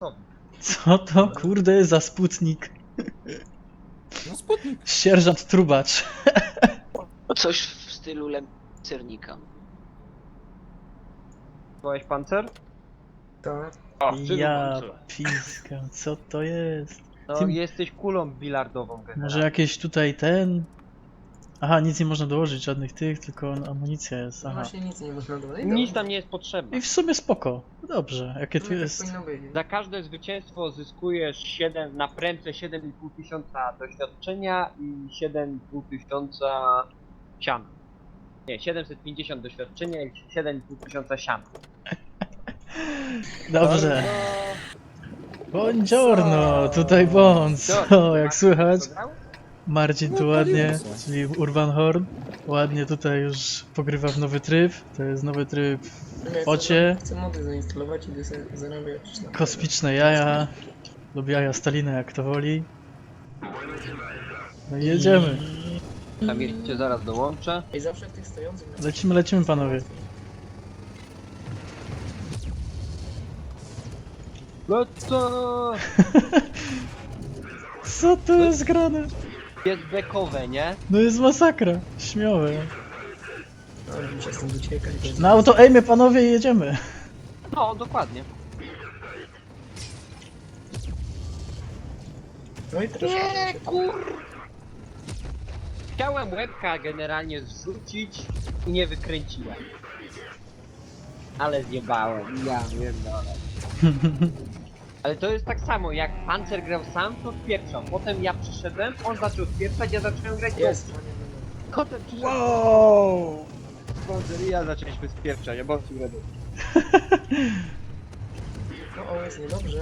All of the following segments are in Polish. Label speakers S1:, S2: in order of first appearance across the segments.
S1: Co to kurde za Sputnik?
S2: No Sputnik.
S1: Sierżant Trubacz.
S3: Coś w stylu Lemcernika.
S4: Byłeś pancer?
S5: Tak.
S4: O,
S1: Ja piska, co to jest?
S4: No
S1: Ty-
S4: jesteś kulą bilardową generalnie.
S1: Może jakieś tutaj ten... Aha, nic nie można dołożyć, żadnych tych, tylko amunicja jest,
S5: No
S1: aha.
S5: właśnie nic nie można dodać.
S4: Nic tam nie jest potrzebne.
S1: I w sumie spoko. Dobrze, jakie tu
S5: Tak
S1: jest...
S5: powinno być.
S4: Za każde zwycięstwo zyskujesz 7 na prędce 7,5 tysiąca doświadczenia i 7,5 tysiąca siana. Nie, 750 doświadczenia i 7,5 tysiąca siana.
S1: Dobrze. Buongiorno, tutaj Bons. O, jak słychać? Marcin tu
S2: No,
S1: ładnie,
S2: paliło się.
S1: czyli Urban Horn. Ładnie tutaj już pogrywa w nowy tryb. To jest nowy tryb w focie.
S5: Chcę mody zainstalować i idę sobie zarabiać. na-
S1: Kosmiczne jaja. Lub jaja Stalina, jak to woli. No i jedziemy.
S4: Tam cię zaraz dołączę.
S5: I zawsze w tych stojących...
S1: Lecimy panowie.
S4: Lecę!
S1: Co tu jest grane?
S4: Jest bekowe, nie?
S1: No jest masakra. Śmiowe.
S5: No, muszę stąd uciekać.
S1: Na auto aimie panowie i jedziemy.
S4: No, dokładnie.
S5: No i troszkę...
S4: Nie, Chciałem łebka generalnie zrzucić i nie wykręciłem. Ale zjebałem, ja wiem, ale... Ale to jest tak samo, jak Panzer grał sam, to odpieprzał. Potem ja przyszedłem, on zaczął odpieprzać, ja zacząłem grać
S5: Jest.
S4: dobrze. Potem przyszedł
S1: Wow!
S4: Panzer i ja zaczęliśmy spieprzać, a boss ready.
S5: No o, jest niedobrze.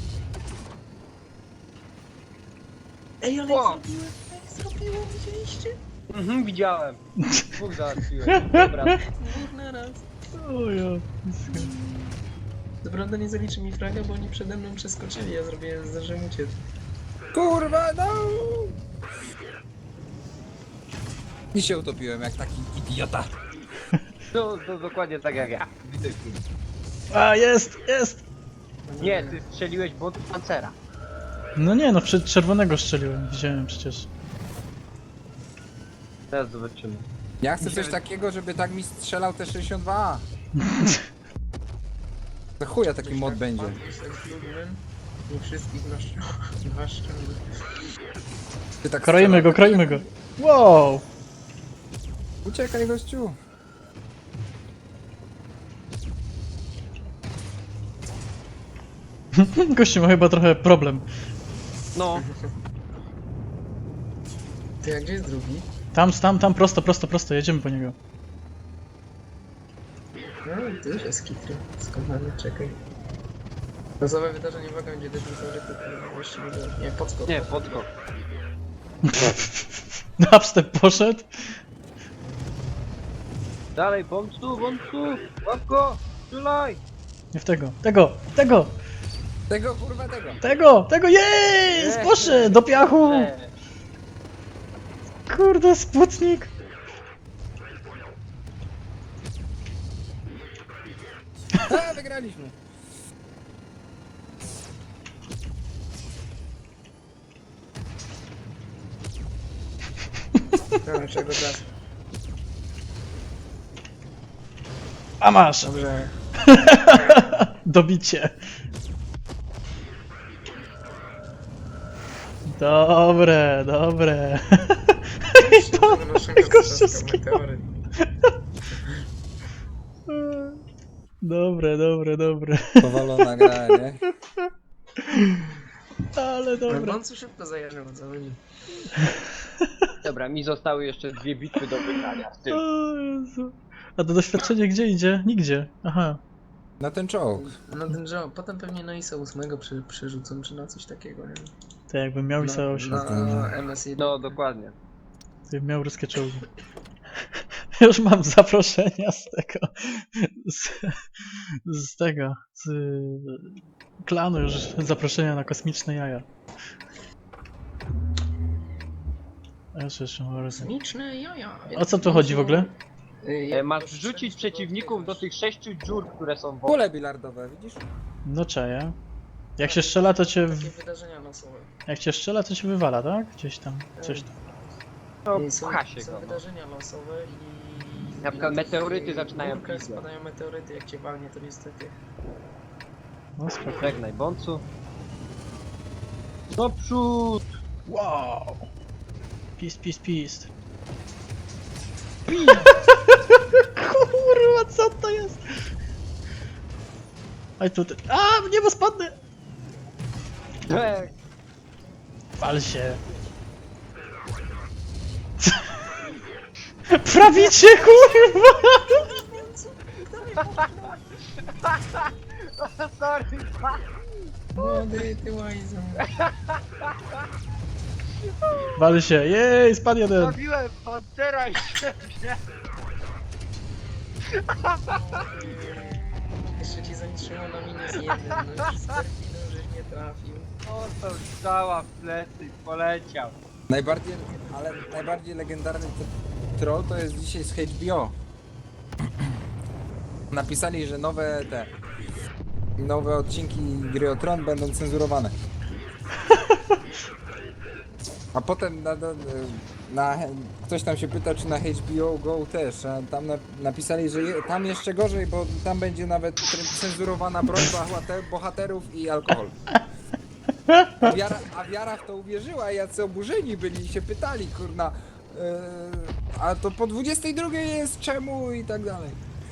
S5: Ej, ale
S4: Wow.
S5: zrobiłem, widzieliście?
S4: Mhm, widziałem. Dwóch załatwiłem, dobra.
S5: Dwóch na raz.
S1: O ja.
S5: Co prawda nie zaliczy mi fraga, bo oni przede mną przeskoczyli, ja zdążyłem uciec.
S2: Kurwa, no! I się utopiłem jak taki idiota.
S4: To dokładnie tak jak ja.
S1: A, jest, jest!
S4: Nie, ty strzeliłeś bot Pancera.
S1: No nie, no przed czerwonego strzeliłem, widziałem przecież.
S4: Teraz zobaczymy.
S2: Ja chcę coś takiego, żeby tak mi strzelał te 62A. To chuja taki mod będzie.
S5: Nie wszystkich na szczęście.
S2: Ty tak
S1: Kroimy go, kroimy go. Wow!
S2: Uciekaj gościu.
S1: Gościu ma chyba trochę problem.
S4: No,
S5: Ty, a gdzie jest drugi?
S1: Tam, prosto, jedziemy po niego.
S5: No, tu już jest kitry. Skądany, czekaj. Losowe wydarzenie, uwaga, będzie też musiał rekord. Jeszcze nie było. Nie, podskok.
S4: nie, podskok.
S1: Dubstep poszedł.
S4: Dalej, bąbcu, łap go, strzelaj!
S1: Nie w tego,
S2: Tego kurwa tego.
S1: jest! Poszedł do piachu! Kurde, Sputnik!
S2: A, wygraliśmy.
S5: Dobra, czego czas.
S1: A masz!
S5: Dobrze.
S1: Dobicie. Dobre. Gościu skinął.
S5: Meteoryt.
S1: Dobre.
S2: Powalona gra, nie?
S1: Ale dobre.
S5: Bącu szybko zajarzył, o co chodzi.
S4: Dobra, mi zostały jeszcze 2 bitwy do wygrania. w tym.
S1: O Jezu. A to doświadczenie gdzie idzie? Nigdzie. Aha.
S2: Na ten czołg.
S5: No ten job, potem pewnie na ISO 8 przerzucą, czy na coś takiego, nie?
S1: To jakbym miał ISO 8,
S5: Na MS1.
S4: No, dokładnie.
S1: to bym miał ruskie czołgi. Już mam zaproszenia z tego. Z tego. Z klanu już zaproszenia na kosmiczne jaja. A jeszcze może.
S5: Kosmiczne jaja.
S1: O co tu chodzi w ogóle?
S4: Masz wrzucić przeciwników do tych 6 dziur, które są wokół.
S2: Kule bilardowe, widzisz?
S1: No czaję. Jak się strzela, to cię...
S5: Takie wydarzenia losowe.
S1: Jak cię strzela, to cię wywala, tak? Gdzieś tam, coś tam.
S4: No,
S5: I są,
S4: pcha się
S5: są
S4: go. No.
S5: wydarzenia losowe i...
S4: Na przykład
S5: i
S4: meteoryty
S5: tych
S4: zaczynają
S5: górkach
S4: pizgać.
S5: spadają meteoryty, jak cię walnie, to niestety...
S1: No spoko.
S4: Żegnaj, bącu. Do przód!
S1: Wow! Pist, pist, pist. Kurwa, co to jest? Aj tutaj. A, w niebo spadnę! Pal się. Prawicie, kurwa!
S4: Sorry!
S5: Młody, ty łajzo.
S1: Wal się, jej, spadł jeden.
S4: Zabiłem Pantera i siebie!
S5: Jeszcze ci zatrzymało na -1, no już z perfidem żeś nie trafił.
S4: O, to strzała w plecy, poleciał.
S2: Najbardziej legendarny troll to jest dzisiaj z HBO. Napisali, że nowe odcinki Gry o Tron będą cenzurowane. A potem ktoś tam się pyta, czy na HBO Go też, a tam napisali, że tam jeszcze gorzej, bo tam będzie nawet cenzurowana broń bohaterów i alkohol. A wiara w to uwierzyła, jacy oburzeni byli i się pytali, kurna, a to po 22 jest czemu i tak dalej.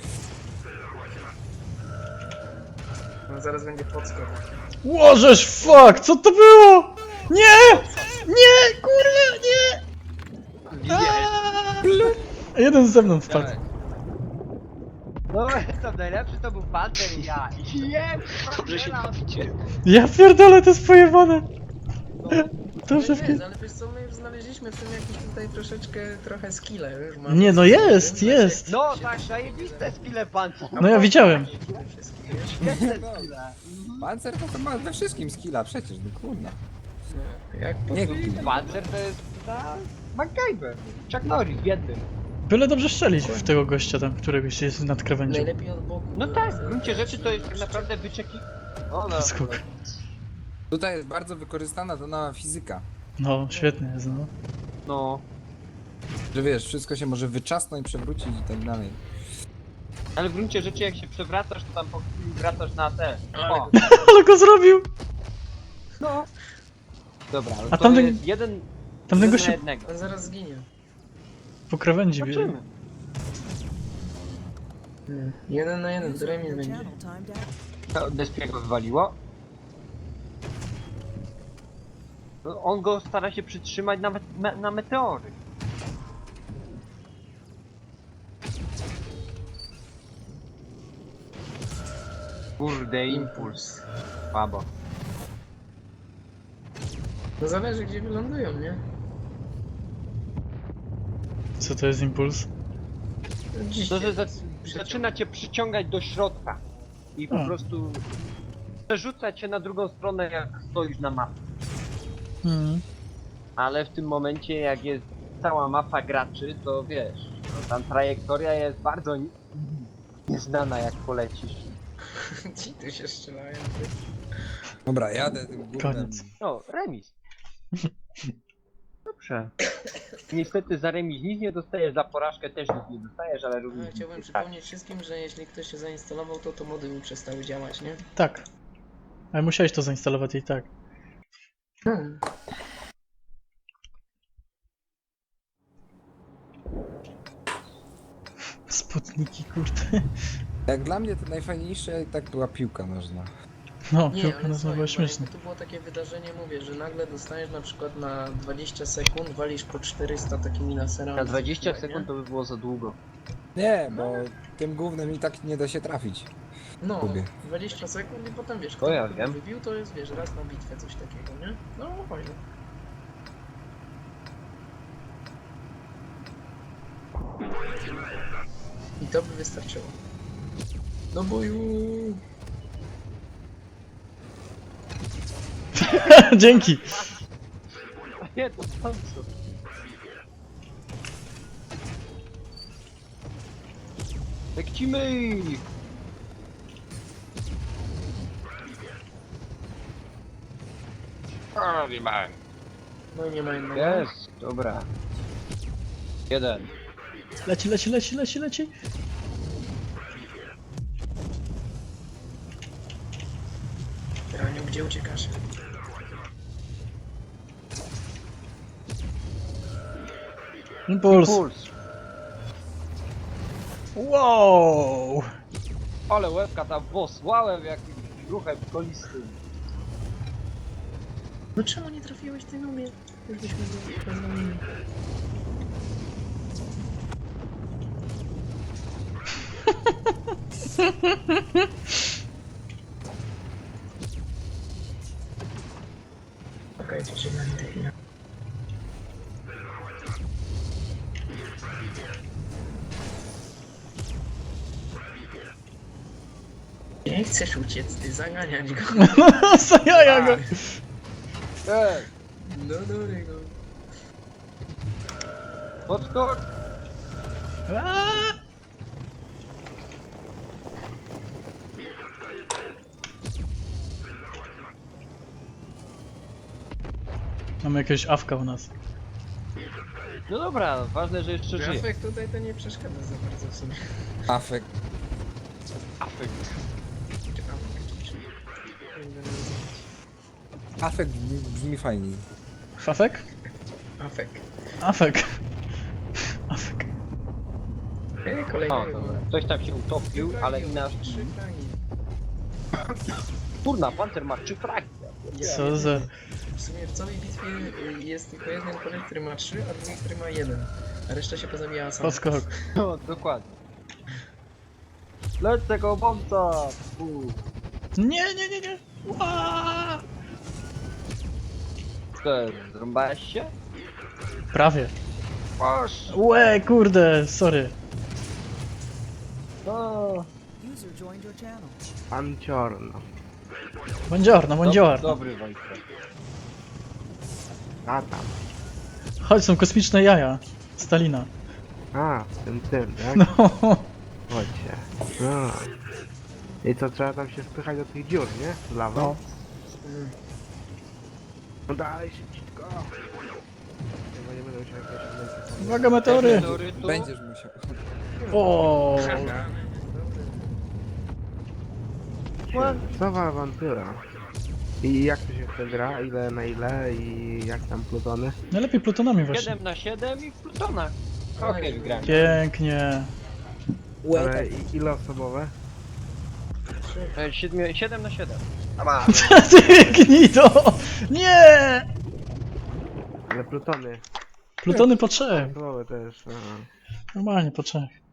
S5: No zaraz będzie podskok.
S1: Łożesz, fuck, co to było? Nie! Nie, kurwa, nie! Aaaa! Jeden ze mną wpadł.
S4: No, to najlepszy to był Panter i ja. Jem!
S3: Dobrze się bawicie.
S1: Ja pierdolę, to jest pojebane. Dobrze,
S5: Ale jest, ale wiesz co, my już znaleźliśmy w tym jakiś tutaj trochę skille. Już mamy
S1: Nie, no
S5: skille,
S1: jest,
S5: więc
S1: jest.
S4: No tak, zajebiste skille Pancer.
S1: No ja widziałem.
S5: wszystkie, wiesz?
S4: Świetne skille.
S2: Pancer to ma we wszystkim skilla przecież, no kurna.
S5: Jak
S2: Nie,
S4: Pancer to jest MacGyver. Chuck Norris w jednym.
S1: Byle dobrze strzelić w tego gościa tam, któregoś jest nad krawędzią.
S5: najlepiej od boku.
S4: No tak, w gruncie rzeczy to jest tak naprawdę wyczeki... O no.
S1: Skok.
S2: Tutaj jest bardzo wykorzystana ta nowa fizyka.
S1: No, świetnie jest, no.
S4: No.
S2: Że wiesz, wszystko się może wyczasnąć, przewrócić i tak dalej.
S4: Ale w gruncie rzeczy jak się przewracasz, to tam po chwili wracasz na te. O,
S1: Ale go zrobił!
S4: no. Dobra, ale
S1: A
S4: to
S1: tamten-
S4: jest jeden
S1: Tamten
S4: na
S1: gość się
S4: jednego.
S5: On zaraz zginie.
S1: po krawędzi bierze.
S4: Zobaczymy.
S5: Nie. 1 na 1, to remis będzie.
S4: To Despiego wywaliło. No, on go stara się przytrzymać na meteory. Kurde, impuls. Słabo.
S5: No zależy gdzie wylądują, nie?
S1: Co to jest impuls?
S5: Dziś
S4: To, że
S5: się
S4: zaczyna cię przyciągać do środka. I po
S1: A.
S4: prostu przerzuca cię na drugą stronę, jak stoisz na mapie.
S1: Mhm.
S4: Ale w tym momencie, jak jest cała mapa graczy, to wiesz, no, tam trajektoria jest bardzo nieznana, jak polecisz.
S5: Ci tu się strzelają.
S2: Dobra, jadę tym gównem.
S1: Koniec.
S4: O, remis. Dobrze. Niestety za remis nic nie dostajesz, za porażkę też nic nie dostajesz, ale również
S5: No, chciałbym
S4: nic nie
S5: przypomnieć wszystkim, że jeśli ktoś się zainstalował, to mody mi przestały działać, nie?
S1: Tak. Ale musiałeś to zainstalować i tak.
S5: Hmm.
S1: Sputniki, kurde.
S2: Jak dla mnie to najfajniejsze tak była piłka nożna.
S1: No,
S5: Nie,
S1: piłka
S5: ale
S1: nożna
S5: słuchaj,
S1: była
S5: bo
S1: śmieszna.
S5: jakby to było takie wydarzenie, mówię, że nagle dostajesz na przykład na 20 sekund, walisz po 400 takimi laserami.
S4: Na 20
S5: nie?
S4: sekund to by było za długo.
S2: Nie, bo tym gównem i tak nie da się trafić.
S5: No,
S2: Lubię.
S5: 20 sekund i potem wiesz,
S4: To
S5: kto
S4: ja
S5: kogo
S4: wiem.
S5: wybił, to jest wiesz, raz na bitwę coś takiego, nie? No fajnie. I to by wystarczyło. Do boju!
S1: Dzięki!
S4: Nie, to co? Lekcimy! O, zjebałem.
S5: No i nie ma innego.
S4: Jest, dobra. Jeden.
S1: Leci, leci, leci, leci, leci.
S5: Raniu, gdzie uciekasz?
S1: Impuls.
S4: Puls.
S1: Wow.
S4: Ale łebka tam posłałem jakimś ruchem kolistym.
S5: No czemu nie trafiłeś ty na mnie? Już byśmy byli poznani. Okej, przeczytam te chwilę. Nie chcesz uciec, ty zaganiać go.
S1: Zajaja go.
S4: Ej,
S5: No dobry go.
S4: podskocz.
S1: Aaa! Mamy jakiegoś awka u nas.
S4: No dobra, ważne, że jeszcze żyje.
S5: Grafik tutaj to nie przeszkadza za bardzo w sumie.
S2: Afek.
S4: Afekt.
S5: Czy afek, czy...
S2: Afek brzmi fajniej.
S1: Fafek?
S5: Afek.
S1: Afek. Afek.
S5: Kolejny.
S4: O, dobra. Ktoś tam się utopił, ale inaczej.
S5: 3 fragi.
S4: Kurna, Panter ma 3 fragi.
S1: Co za...
S5: W sumie w całej bitwie jest tylko jeden koleś, który ma 3, a drugi, który ma 1. A reszta się pozamijała sama.
S1: Podskok.
S4: No, dokładnie. Leć tego bombca!
S1: Nie, nie, nie, nie. Ua!
S4: Co, zrąbałeś się?
S1: Prawie.
S4: Oż!
S1: Łe, kurde, sorry.
S4: No.
S6: User joined your channel.
S7: Panciorno.
S1: Buongiorno, buongiorno.
S4: Dobry Wojtek.
S7: A tam.
S1: Chodź, są kosmiczne jaja. Stalina.
S7: A, tym, tak?
S1: No.
S7: Chodźcie. No. I co, trzeba tam się spychać do tych dziur, nie? Z lawą?
S1: No.
S7: No dalej, szybciutko. Chyba nie będę musiał jakieś...
S1: Uwaga, meteory.
S4: Meteorytu.
S2: Będziesz musiał.
S1: O.
S7: Co za awantura. I jak to się chce gra? Ile na ile? I jak tam plutony?
S1: Najlepiej plutonami właśnie.
S4: 7 na 7 i w plutonach. Okej, wygrałem.
S1: Pięknie.
S7: Ale ile osobowe?
S4: 7 na 7.
S1: Ty gnido! Nie!
S7: Ale plutony.
S1: Plutony po trzech.
S7: Osobowe też. Aha.
S1: Normalnie po trzech.